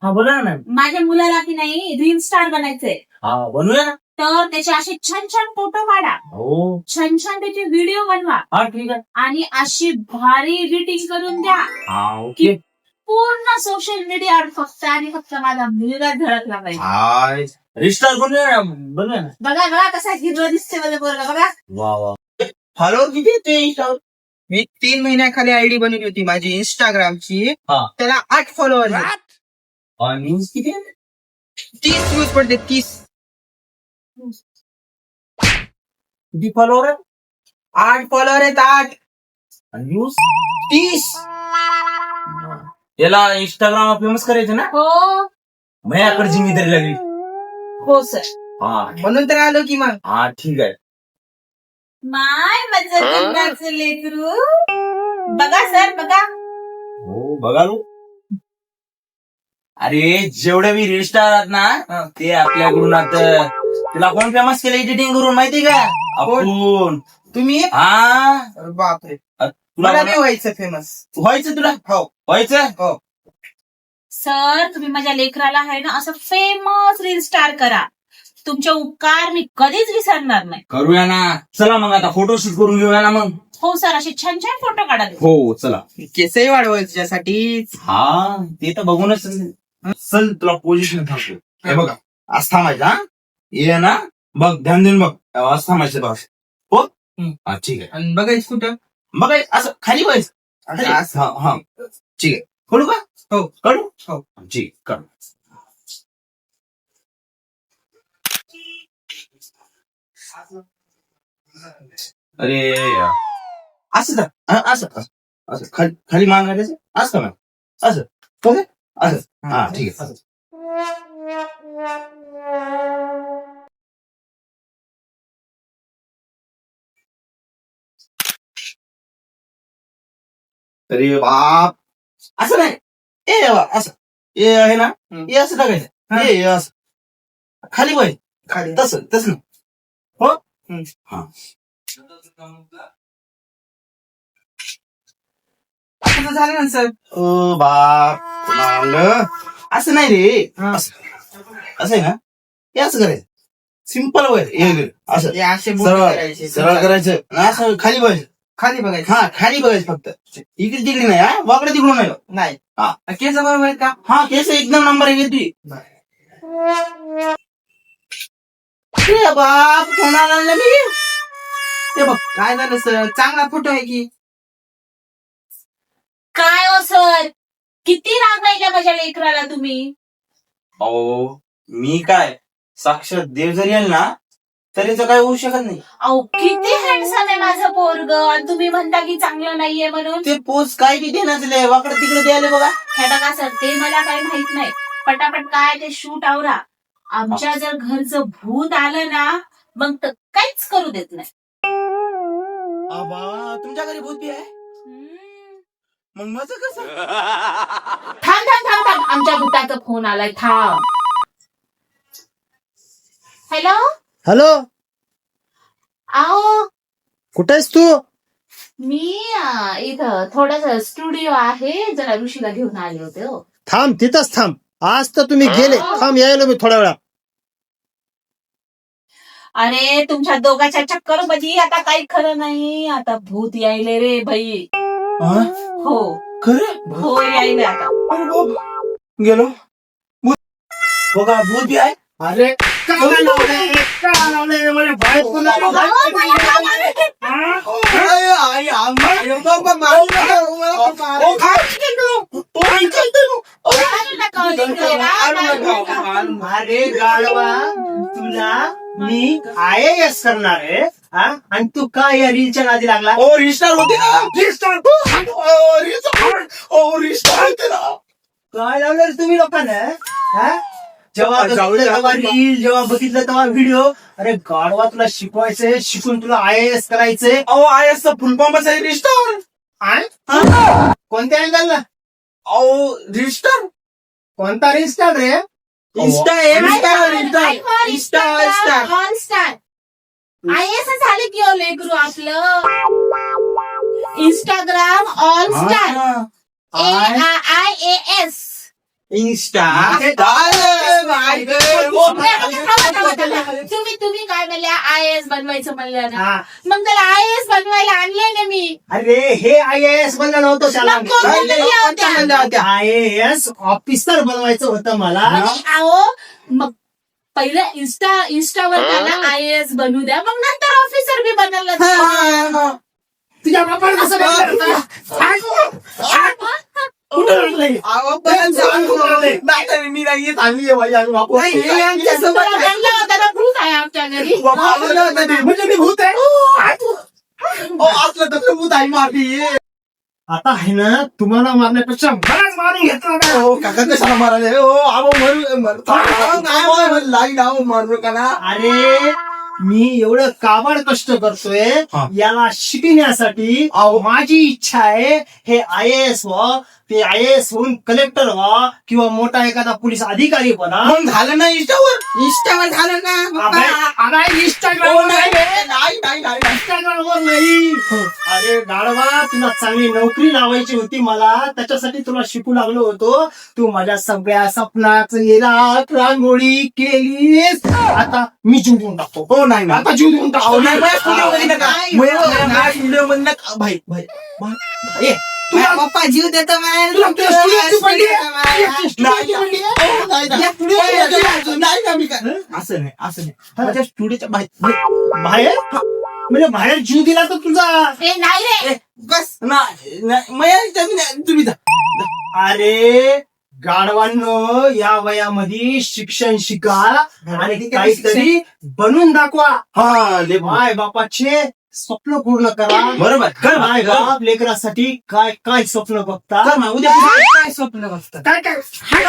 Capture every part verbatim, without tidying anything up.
हा बोला ना मॅम. माझ्या मुलाला की नाही रील स्टार बनायचंय, हा बनवूया ना. तर त्याचे असे छान छान फोटो काढा, हो छान छान त्याचे व्हिडिओ बनवा हा ठीक आहे. आणि अशी भारी एडिटिंग करून द्या हा ओके. पूर्ण सोशल मीडियावर फक्त आणि फक्त माझा मुलगा झळकला पाहिजे. हा रिस्टार बनवूया ना बनवूया ना. बघा बघा कसा हिरो दिसते मला पोरगा बघा. वा वा. फॉलोअर किती येते इंस्टावर? मी तीन महिन्याखाली आयडी बनवली होती माझी इंस्टाग्रामची, हा. त्याला आठ फॉलोअर आणि न्यूज किती आहे? तीस व्ह्यूज पडते तीस. किती फॉलोअर आहे? आठ फॉलोअर आहेत आठ. आणि न्यूज तीस. याला इंस्टाग्राम फेमस करायचं ना. हो माझ्याकडे जिम्मेदारी लागली. हो सर. हा म्हणून तर आलो की मग. हा ठीक आहे. माय मजा करण्याचं लेकरू. बघा सर बघा. हो बघा लो. अरे जेवढे मी रील स्टार आहेत ना ते आपल्याकडून आता तुला कोण फेमस केलं एडिटिंग करून माहिती का? आपण. तुम्ही? हा अरे बापरे, तुला मला नाही व्हायचं फेमस. व्हायचं तुला? हो व्हायचं. हो. सर तुम्ही माझ्या लेकराला आहे ना असं फेमस रील स्टार करा. तुमचे उपकार मी कधीच विसरणार नाही. करूया ना. चला मग आता फोटोशूट करून घेऊया ना मग. हो सर असे छान छान फोटो काढा. हो चला. केसही वाढवायचं त्याच्यासाठीच. हा ते तर बघूनच. चल तुला पोझिशन थांबतो. हे बघा आज थांबायचं. हा ये ना बघ ध्यान देऊन बघ. आज थांबायचं बघ. हो हा ठीक आहे. आणि बघायचं कुठं? बघ असं खाली बघायचं. असं- असं. हा हा ठीक आहे. करू का? हो करू. हो. ठीक कर. अरे यार. असं का? हा, असं असं असं खाली खाली मागायचं असं का? असं ओके असं. हा ठीक आहे. अरे बाप असं नाही. ए बाबा असं ए आहे ना हे असं टाकायचं. हे हे असं खाली पाहिजे. खाली. तसं तसं नाही. हो हम्म. हा असं झालं ना सर. ओ बाप पुन्हा म्हणलं. असं नाही रे. हा. असं असं आहे ना हे असं करायचं. सिम्पल वय असं हे असे बोट सरळ करायचे. सरळ करायचं आणि असं खाली बघायचं. खाली बघायचं. हा खाली बघायचं फक्त. इकडे तिकडे नाही. हा वाकडे तिकडून नाही. नाही. हा. केस बरोबर आहेत का? हा केस एकदम नंबर एक येते. अरे बाप कोणाला आणलं मी. ते बघ काय झालं सर, चांगला फोटो आहे की. काय हो सर किती रागायच्या माझ्या लेकराला तुम्ही. अहो मी काय साक्षात देव जरी आल ना तरी तर काय होऊ शकत नाही. अहो किती हँडसम आहे माझं पोरग आणि तुम्ही म्हणता की चांगलं नाहीये म्हणून. ते पोच काय की देण्याचं वाकडे तिकडे द्यायला बघा. हे बघा सर ते मला काही माहित नाही. पटापट काय ते शूट आवरा. आमच्या जर घरचं भूत आलं ना मग तर काहीच करू देत नाही. आबा तुमच्या घरी भूत बी आहे हम्म. मग माझं कसं. थांब थांब थांब थांब आमच्या भूताचा फोन आलाय थांब. हॅलो हॅलो, आओ कुठे आहेस तू? मी अं, इथं थोडस स्टुडिओ आहे जरा ऋषीला घेऊन आले होते. हो थांब तिथंच थांब. आज तर तुम्ही गेले. थांब यायलो मी थोड्या वेळा. अरे तुमच्या दोघांच्या चक्कर मध्ये आता काही खरं नाही. आता भूत यायले रे बाई. हा? हो खरं हो यायले आता. अरे बाप. गेलो भूत बघा भूत बी आहे. अरे काय लावलंय? काय लावलंय? मला बाहेर कोण आलं? आई, आई, आम्हा- ओ, काय? ओ, इकडे नो. अरे गाढवा, तुला मी आय ए एस करणार आहे हा? आणि तू काय या रीलच्या नादी लागला? ओ रिस्टार होते ना. रिस्टार ओ रिस्टार ओ रिस्टार होते ना. काय लावलं रे तुम्ही लोकांना हा? जेव्हा बघितलं तेव्हा रील, जेव्हा बघितलं तेव्हा व्हिडिओ. अरे गाढवा, तुला शिकवायचंय, शिकून तुला आय ए एस करायचंय. अहो आय एस फुल फॉर्मच आहे रिस्टार. हा? कोणत्या अँगलला? अहो रिस्टार कोणता रिस्टार रे? Insta insta insta insta insta all star I S झाले की ओ लेकरू आपलं. Instagram all star. I A S insta तुम्ही तुम्ही तुम्ही काय म्हणल्या आय एस बनवायचं म्हणलं ना, हा. मग त्याला आय एस बनवायला आणले ना मी. अरे हे आय एस बनलं नव्हतं त्याला, मग कोण बनवलं होतं? आय एस ऑफिसर बनवायचं होतं मला. आणि अहो मग पहिलं इन्स्टा इन्स्टावर त्यांना आय एस बनवू द्या, मग नंतर ऑफिसर बी बनवलं. तुझ्या बापाला कसं बनलं? कुठं बनलंय? मी नाही चांगली आहे बनला होता ना, भूत आहे आमच्या घरी. म्हणजे मी भूत आहे असलं तर भूत आहे माफी. आता आहे ना, तुम्हाला मारण्यापेक्षा मलाच मारून घेतला ना. हो काका कशाला मारायला हो आबो मरू लाईन आहो मारू का ना. अरे मी एवढं काबाड कष्ट करतोय हा. याला शिकण्यासाठी. माझी इच्छा आहे हे आय एस व्हा, ते आय एस होऊन कलेक्टर व्हा किंवा मोठा एखादा पोलीस अधिकारी बना. मग झालं ना इंस्टावर इंस्टावर झालं ना इंस्टाग्राम नाही नाही नाही इंस्टाग्रामवर नाही. अरे गाढवा, तुला चांगली नोकरी लावायची होती मला, त्याच्यासाठी तुला शिकू लागलो होतो. तू माझ्या सगळ्या स्वप्नाचं रात रांगोळी केलीस. आता मी जीव देऊन टाकतो. हो नाही ना आता जीव देऊन टाकतो. व्हिडिओ मध्ये नका व्हिडिओ मध्ये नका भाई भाई ये, तुला पप्पा जीव देतो तुला तुझ्या स्टुडिओची पडली आहे? स्टुडिओची पडली आहे? नाही का मी काय असं नाही असं नाही माझ्या स्टुडिओच्या बाहेर बाहेर म्हणजे बाहेर जीव दिला तर तुझा. ए नाही रे, बस नाही तुम्ही जा. अरे गाढवांनो, या वयामध्ये शिक्षण शिका आणि काहीतरी बनून दाखवा. हा ले माय बापाचे स्वप्न पूर्ण करा. बरोबर कर माय कर. बाप लेकरासाठी काय काय स्वप्न बघता. कर मग, उद्या काय स्वप्न बघतात काय काय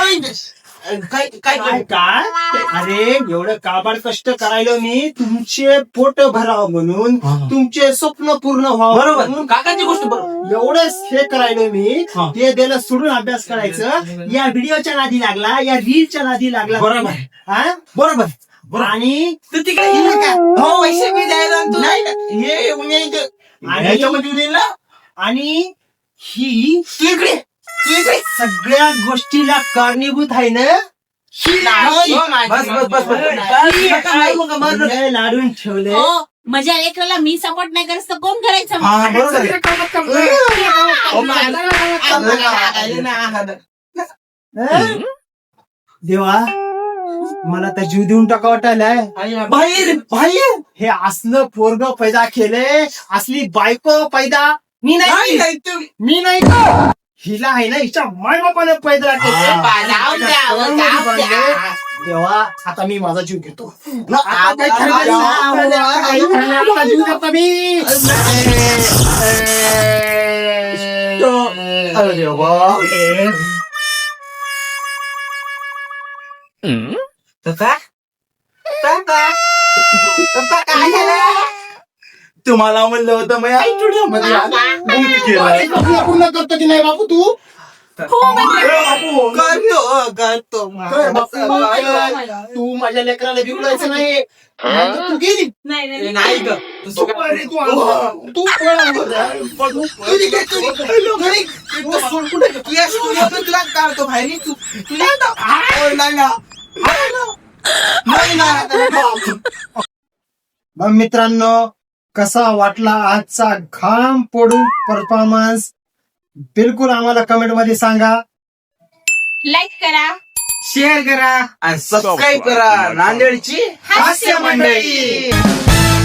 काय काय काय काय अरे एवढं काबाड कष्ट करायलो मी तुमचे पोट भरावं म्हणून, हा, हा. तुमचे स्वप्न पूर्ण व्हावं बरोबर म्हणून. काकाची गोष्ट बरोबर. एवढंच हे करायलो मी. हा. ते दिलं सोडून अभ्यास करायचं. या व्हिडिओच्या नादी लागला, या रीलच्या नादी लागला. बरोबर. हा? बरोबर आणि तू तिकडे गेली का हो पैसे मी द्यायला तू नाही का हे उन्या इथं आणि- ह्याच्यामध्ये देईल ना आणि ही तू इकडे तू इकडे सगळ्या गोष्टीला कारणीभूत आहे ना. ही नाही. बस बस बस बस ही नका मारू नका, मारू नका. लय लाडून ठेवले. हो माझ्या लेकराला मी सपोर्ट नाही करत तर कोण करायचं मग? हा बरोबर आहे. हो, माझा- हं? देवा, मला तर जीव देऊन टाका वाटायलाय. बाहेर बाहेर हे असलं पोरग पैदा केले, असली बायको पैदा मी नाही नाही नाही तुम्ही मी नाही हिला आहे ना, हिच्या माय बापाने पैदा केले. जाऊ द्या, जाऊ द्या. देवा, आता मी माझा जीव घेतो. आता आता ठरलं ना, आता काही ठरलं, आता जीव देतो मी. अरे देवा. पप्पा पप्पा पप्पा काय झालं तुम्हाला म्हणलं होतं मी स्टुडिओ मध्ये माझे स्वप्न पूर्ण करतो की नाही बापू तू? हो म्हणजे करतो करतो कर बापू, तू माझ्या लेकराला बिघडायचं नाही. नाहीतर तू गेली. नाही नाही नाही ग तू अरे तू आला. तू पळा बरं. तुझ्या स्टुडिओ तुला काढतो बाहेर तू तुला नाही ना नाही ना मग मित्रांनो, कसा वाटला आजचा घाम पडून परफॉर्मन्स? बिलकुल आम्हाला कमेंट मध्ये सांगा. लाईक करा, शेअर करा आणि सबस्क्राईब करा नांदेडची हास्य मंडळी.